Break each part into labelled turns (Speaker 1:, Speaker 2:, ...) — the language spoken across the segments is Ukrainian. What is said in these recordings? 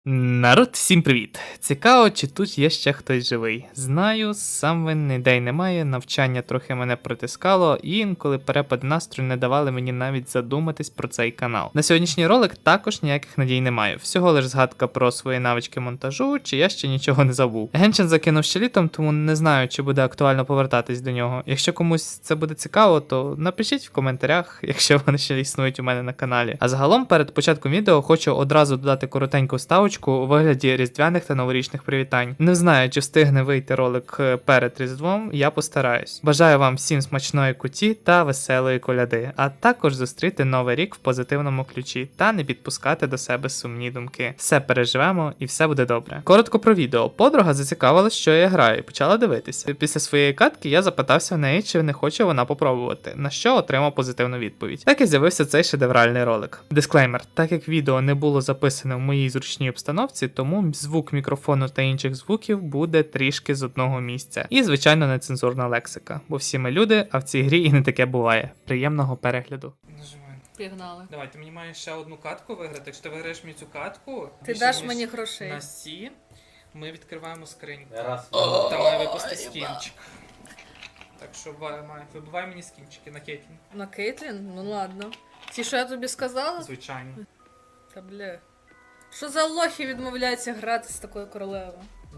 Speaker 1: Народ, всім привіт! Цікаво, чи тут є ще хтось живий. Знаю, сам винний ідей немає, навчання трохи мене притискало, і інколи перепади настрою не давали мені навіть задуматись про цей канал. На сьогоднішній ролик також ніяких надій немає. Всього лиш згадка про свої навички монтажу, чи я ще нічого не забув. Геншин закинув ще літом, тому не знаю, чи буде актуально повертатись до нього. Якщо комусь це буде цікаво, то напишіть в коментарях, якщо вони ще існують у мене на каналі. А загалом, перед початком відео хочу одразу додати коротеньку ставочку у вигляді різдвяних та новорічних привітань. Не знаю, чи встигне вийти ролик перед Різдвом, я постараюсь. Бажаю вам всім смачної куті та веселої коляди, а також зустріти новий рік в позитивному ключі та не підпускати до себе сумні думки. Все переживемо і все буде добре. Коротко про відео. Подруга зацікавилась, що я граю, і почала дивитися. Після своєї катки я запитався в неї, чи не хоче вона попробувати, на що отримав позитивну відповідь. Так і з'явився цей шедевральний ролик. Дисклеймер: так як відео не було записане в моїй зручній обстановці, тому звук мікрофону та інших звуків буде трішки з одного місця. І, звичайно, нецензурна лексика, бо всі ми люди, а в цій грі і не таке буває. Приємного перегляду.
Speaker 2: Нажимай.
Speaker 3: Пігнали.
Speaker 2: Давай, ти мені маєш ще одну катку виграти. Якщо ти виграєш мені цю катку,
Speaker 3: Ти
Speaker 2: більше,
Speaker 3: даш
Speaker 2: ніж
Speaker 3: мені грошей.
Speaker 2: на сі, ми відкриваємо скриньку.
Speaker 4: Раз.
Speaker 2: Там має випасти скінчик. Так що вибивай мені скінчики на Кейтлін.
Speaker 3: На Кейтлін? Ну ладно. Ті, що я тобі сказала?
Speaker 2: Звичайно.
Speaker 3: Та бля. Що за лохи відмовляються грати з такою королевою?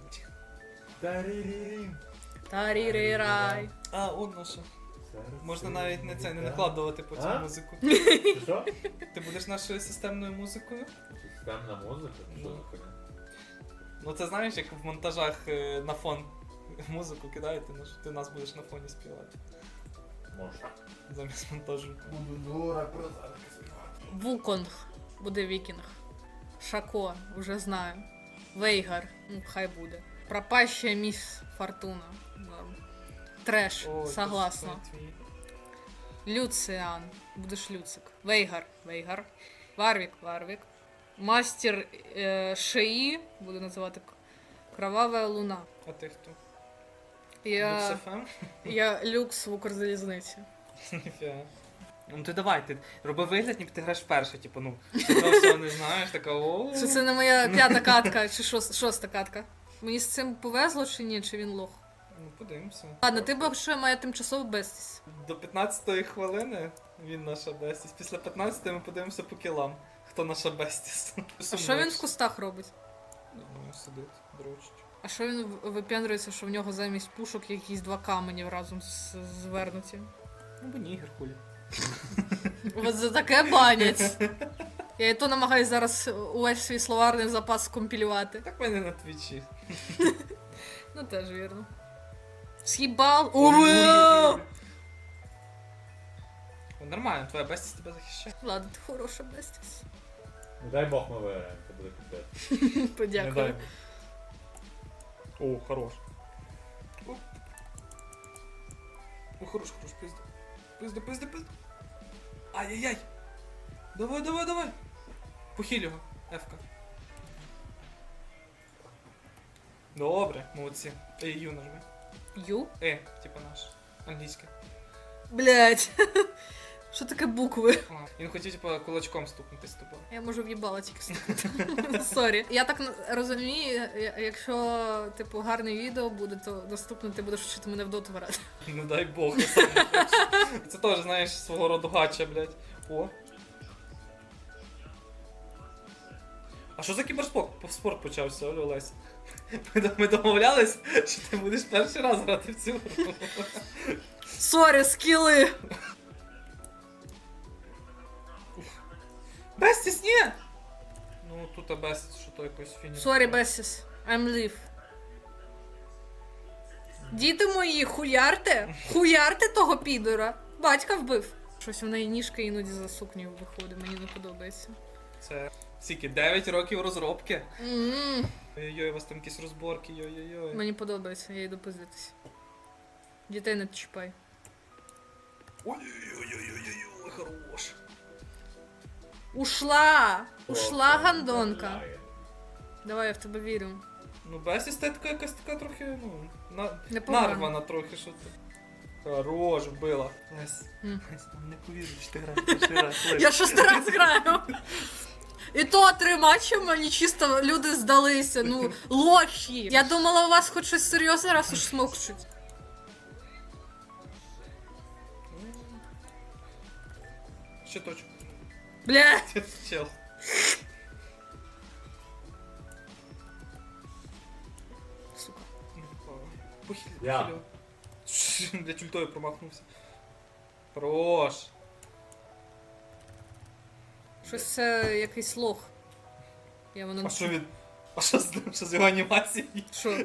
Speaker 4: Тарірірім.
Speaker 3: Тарі-рі-рай.
Speaker 2: А, он наша. Можна навіть не накладувати по цю
Speaker 4: А?
Speaker 2: музику.
Speaker 4: Ти що?
Speaker 2: Ти будеш нашою системною музикою?
Speaker 4: Системна музика? Що за хуйня?
Speaker 2: Ну це знаєш, як в монтажах на фон музику кидаєте, ну що ти нас будеш на фоні співати.
Speaker 4: Може.
Speaker 2: Замість монтажу.
Speaker 4: Буду дура про зараз співати.
Speaker 3: Вуконг. Буде вікінг. Шако, вже знаю. Вейгар. Ну, хай буде. Пропащая міс Фортуна. Да. Треш,
Speaker 2: О,
Speaker 3: согласна.
Speaker 2: це твій.
Speaker 3: Люциан. Будеш Люцик. Вейгар. Вейгар. Варвік. Варвік. Мастер Шеї. Буду називати Кровава Луна.
Speaker 2: А ти хто?
Speaker 3: Я,
Speaker 2: Люксефем?
Speaker 3: я люкс в Укрзалізниці.
Speaker 2: Ніфіга. Ну ти давай, ти роби вигляд, ніби ти граєш вперше, типу, ну, ти того всього не знаєш, така о.
Speaker 3: Чи це не моя п'ята катка, чи шоста катка? Мені з цим повезло чи ні, чи він лох?
Speaker 2: Ну, подивимося.
Speaker 3: Ладно, ти б ще має тимчасово бестість.
Speaker 2: До 15-ї хвилини він наша бестіс. Після 15-ї ми подивимося по кілам, хто наша бестіс.
Speaker 3: А що він в кустах робить?
Speaker 2: Думаю, сидить, дрочить.
Speaker 3: А що він випендрюється, що в нього замість пушок якісь два камені разом звернуті?
Speaker 2: Ну, бо нігер хулі.
Speaker 3: От за таке банять. Я і то намагаюсь зараз увесь свій словарний запас скомпілювати.
Speaker 2: Так в мене на твічі.
Speaker 3: Ну теж вірно. С'їбал!
Speaker 2: О, нормально, твоя бестіс тебе захищає.
Speaker 3: Ладно, ти хороша бестіс.
Speaker 4: Не дай Бог ми виграємо, це буде капець.
Speaker 3: Подякую.
Speaker 2: О, хорош. О, хорош, пизда. Пизда. Ай-яй-яй. Давай. Похиль його, Ефка. Добре, молодці. Ю нажми.
Speaker 3: Ю?
Speaker 2: Типа наш. Англійське.
Speaker 3: Блять. Що таке букви?
Speaker 2: Він хотів, типа, кулачком стукнути з тобою.
Speaker 3: Я можу в'їбала тільки стукнути. Сорі. Я так розумію, якщо, типу, гарне відео буде, то наступно ти будеш вчити мене в доту грати.
Speaker 2: Не дай Бог, я сам не хочу. Це теж, знаєш, свого роду гача, блядь. О. А що за кіберспорт почався, Олю Олесь? Ми домовлялись, що ти будеш перший раз грати в цю гру.
Speaker 3: Сорі, скіли!
Speaker 2: Бестіс, ні! Ну, тут Бестіс, що то якось фініш.
Speaker 3: Сорі, Бесіс. I'm live. Діти мої, хуярте? Хуярте того підора? Батька вбив. Щось в неї ніжка іноді за сукнею виходить, мені не подобається.
Speaker 2: Це скільки? 9 років розробки.
Speaker 3: М-м.
Speaker 2: Ой-ой-ой, у вас там якісь розборки, йой-йой-йой.
Speaker 3: Мені подобається, я йду пиздитись. Дітей не чіпай.
Speaker 2: Ой-ой-ой-ой-ой, хорош.
Speaker 3: Ушла! Ушла гандонка. Давай, я в тебе вірю.
Speaker 2: Ну, Бестіс та така якась така трохи, ну,
Speaker 3: Непогано.
Speaker 2: нарвана трохи, що ти. Хорош, вбила. Лесь,
Speaker 3: М.
Speaker 2: Лесь, не повірю, що ти граєш перший раз. Лесь.
Speaker 3: Я 6 раз граю. І то 3 матчі мені чисто люди здалися. Ну, лохи. Я думала, у вас хоч щось серйозне, раз уж смокчуть.
Speaker 2: Ще точку.
Speaker 3: Блядь.
Speaker 2: Чел.
Speaker 3: Сука.
Speaker 2: Похиль.
Speaker 4: Я.
Speaker 2: Для ультою промахнувся. Хорош.
Speaker 3: Щось це якийсь лох. Я воно...
Speaker 2: А що він? А що з ним? Що з його анімацією?
Speaker 3: Що?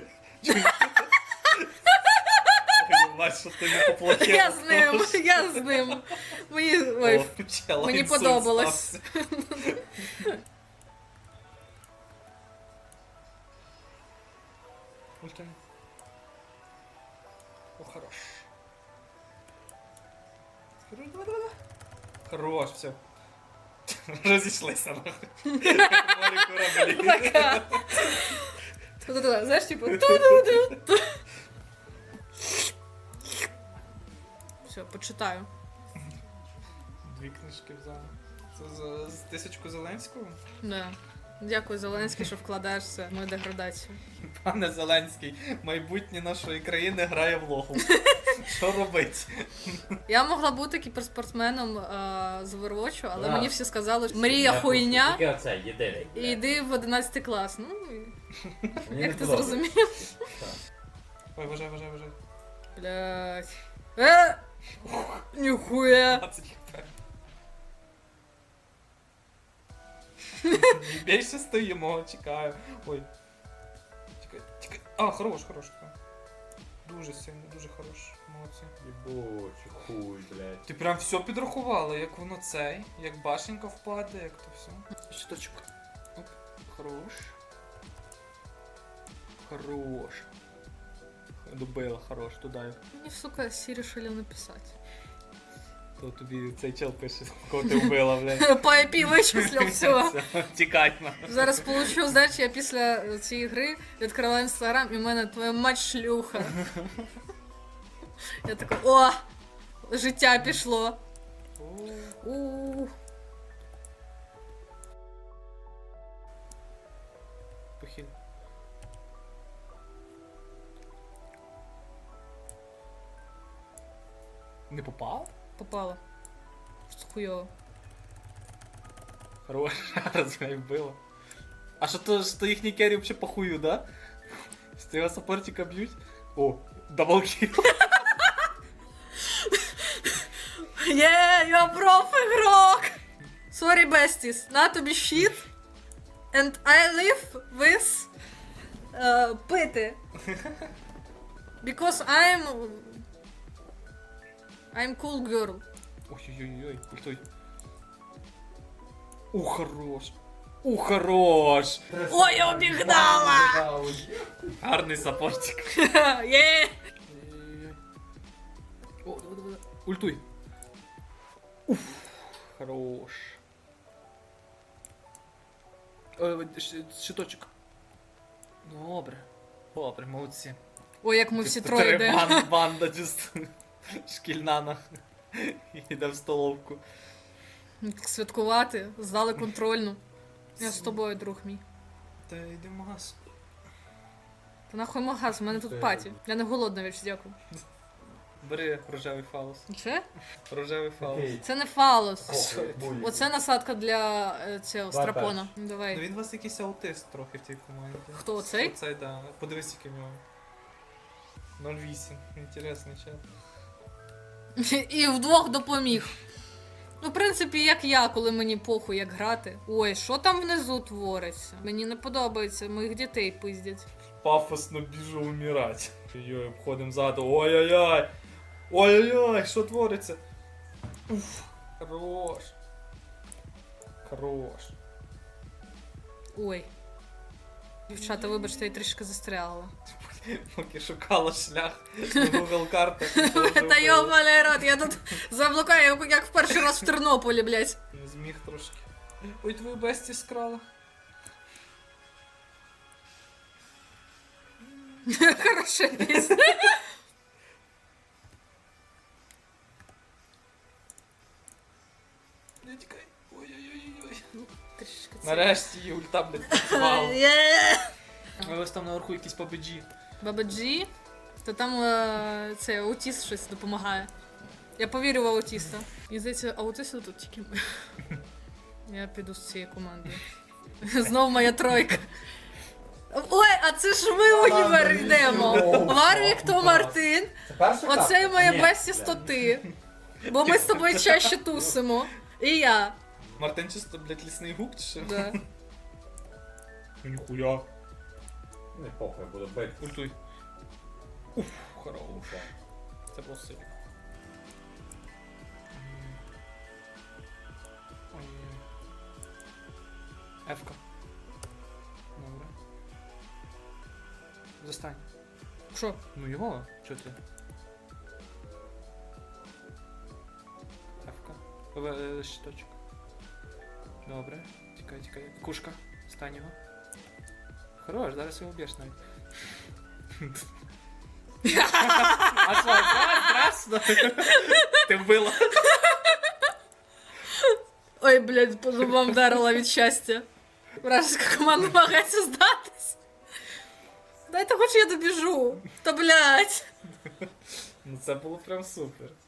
Speaker 2: Ой, що ти не поплатив.
Speaker 3: Я з ним. Мені... Ой, мені подобалось.
Speaker 2: Ультя. О, хорош. Хорош, давай, давай, давай. Хорош, все. Розійшлися, нахуй. Як морі кораблі.
Speaker 3: Пока. Туда-туда, знаєш, типу... ту-ду-ду. Все, почитаю.
Speaker 2: 2 книжки взяли. Це з тисячку Зеленського?
Speaker 3: Да. Дякую, Зеленський, що вкладаєшся в мою деградацію.
Speaker 2: Пане Зеленський, майбутнє нашої країни грає в лоху. Що робить?
Speaker 3: Я могла бути кіберспортсменом з Overwatch, але
Speaker 4: Да.
Speaker 3: мені всі сказали, що мрія хуйня,
Speaker 4: Тільки оце, єдиний.
Speaker 3: і йди в 11 клас. Ну,
Speaker 4: Мені
Speaker 3: як
Speaker 4: не
Speaker 3: ти
Speaker 4: подобається.
Speaker 3: зрозумів?
Speaker 4: Так.
Speaker 2: Ой, вважай, вважай, вважай.
Speaker 3: Блять. Ніхуя.
Speaker 2: 20 хп. Більше стоїмо, чекаю. Ой. Чекай, чекай. А, хорош, хорош. Дуже сильно, дуже хорош. Молодці.
Speaker 4: Єбучий хуй, блядь.
Speaker 2: Ти прям все підрахувала, як воно цей, як башенька впаде, як то все. Щиточок. Оп, хорош. Хорош. Добила, хорош, туди.
Speaker 3: Мені, сука, Сі решили написати.
Speaker 2: То тобі цей чел пише, кого ти вбила, блядь.
Speaker 3: По IP вичислив, все.
Speaker 2: Тікай на.
Speaker 3: Зараз получу, знаєш, я після цієї гри відкриваю інстаграм, і в мене твоя мать шлюха. Я така, о, життя пішло. У.
Speaker 2: Похиль. Не попав?
Speaker 3: Попала. Хуйово.
Speaker 2: Хорош, раз мене вбило. А що їхній керрі взагалі похую, да? Що його саппортика б'ють? О, даблкіл.
Speaker 3: Є, я проф-ігрок! Sorry, besties, на тобі щит. And I live with пити. Because I'm cool girl.
Speaker 2: Ой-ой-ой, ультой. Хорош. Хорош.
Speaker 3: Ой, я обігнала!
Speaker 2: Гарний саппортик.
Speaker 3: Є!
Speaker 2: Ой-ой-ой. О, давай, давай. Ультуй. Хорош. Щиточок. Добре. Добре, молодці.
Speaker 3: Ой, як ми всі троє йдемо.
Speaker 2: Банда чисто. Шкільна на. Іде в столовку.
Speaker 3: Так святкувати, здали контрольну. Я з тобою, друг мій.
Speaker 2: Та йди в магаз.
Speaker 3: Та нахуй магаз, у мене тут паті. Я не голодна, віч, дякую.
Speaker 2: Бери рожевий фалос.
Speaker 3: Це?
Speaker 2: Рожевий фалос.
Speaker 3: Це не фалос.
Speaker 2: Що?
Speaker 3: Оце насадка для цього
Speaker 4: Давай
Speaker 3: страпона.
Speaker 2: Ну
Speaker 3: Давай.
Speaker 2: він у вас якийсь аутист трохи в тій команді.
Speaker 3: Хто, оцей?
Speaker 2: Оцей, да. Подивись, який в нього. 0,8. Інтересний чел.
Speaker 3: І вдвох допоміг. Ну, в принципі, як я, коли мені похуй, як грати. Ой, що там внизу твориться? Мені не подобається, моїх дітей пиздять.
Speaker 2: Пафосно біжу умирать. Йой, обходимо ззаду. Ой-ой-ой! Ой-ой-ой, що твориться? Уф, хорош. Хорош.
Speaker 3: Ой. Дівчата, вибачте, я трішки застрягла.
Speaker 2: Поки шукала шлях на Google картах.
Speaker 3: Та йобаний рот, я тут заблукаю, як в перший раз в Тернополі, блядь.
Speaker 2: Не зміг трошки. Ой, твою бесті скрала.
Speaker 3: Хороша пісня.
Speaker 2: Не тікай. Ой-ой-ой-ой.
Speaker 3: Трішки
Speaker 2: Нарешті її ульта, блядь, працювала.
Speaker 3: Є!
Speaker 2: Але ось там наверху якісь победжі.
Speaker 3: Баба Джі, то там це аутіст щось допомагає. Я повірю в аутіста. І здається, аутисти тут тільки ми. Я піду з цією командою. Знов моя тройка. Ой, а це ж ми в універ йдемо. Варвік то Мартин.
Speaker 4: Це перша
Speaker 3: Оцей
Speaker 4: картка?
Speaker 3: моє
Speaker 4: Ні,
Speaker 3: Бесіс
Speaker 4: блядь.
Speaker 3: то ти. Бо ми з тобою чаще тусимо. І я.
Speaker 2: Мартин чисто, блядь, лісний гук чи що?
Speaker 3: Да.
Speaker 2: Ніхуя.
Speaker 4: Не похуй, буду бити.
Speaker 2: Ультуй. Уф, хорош. Це було сильно. Ой-ой-ой. Ефка. Добре. Застань.
Speaker 3: Що?
Speaker 2: Ну його, чо ти? Ефка. Щиточок. Добре. Тікай, тікай. Кушка. Стань його. Хорош, зараз його б'єш навіть. А що, страшно? Ти вбила.
Speaker 3: Ой, блядь, по зубам вдарила від щастя. Вражеська команда намагається здатись. Дайте хоч я добіжу. Та блядь.
Speaker 2: Ну це було прям супер.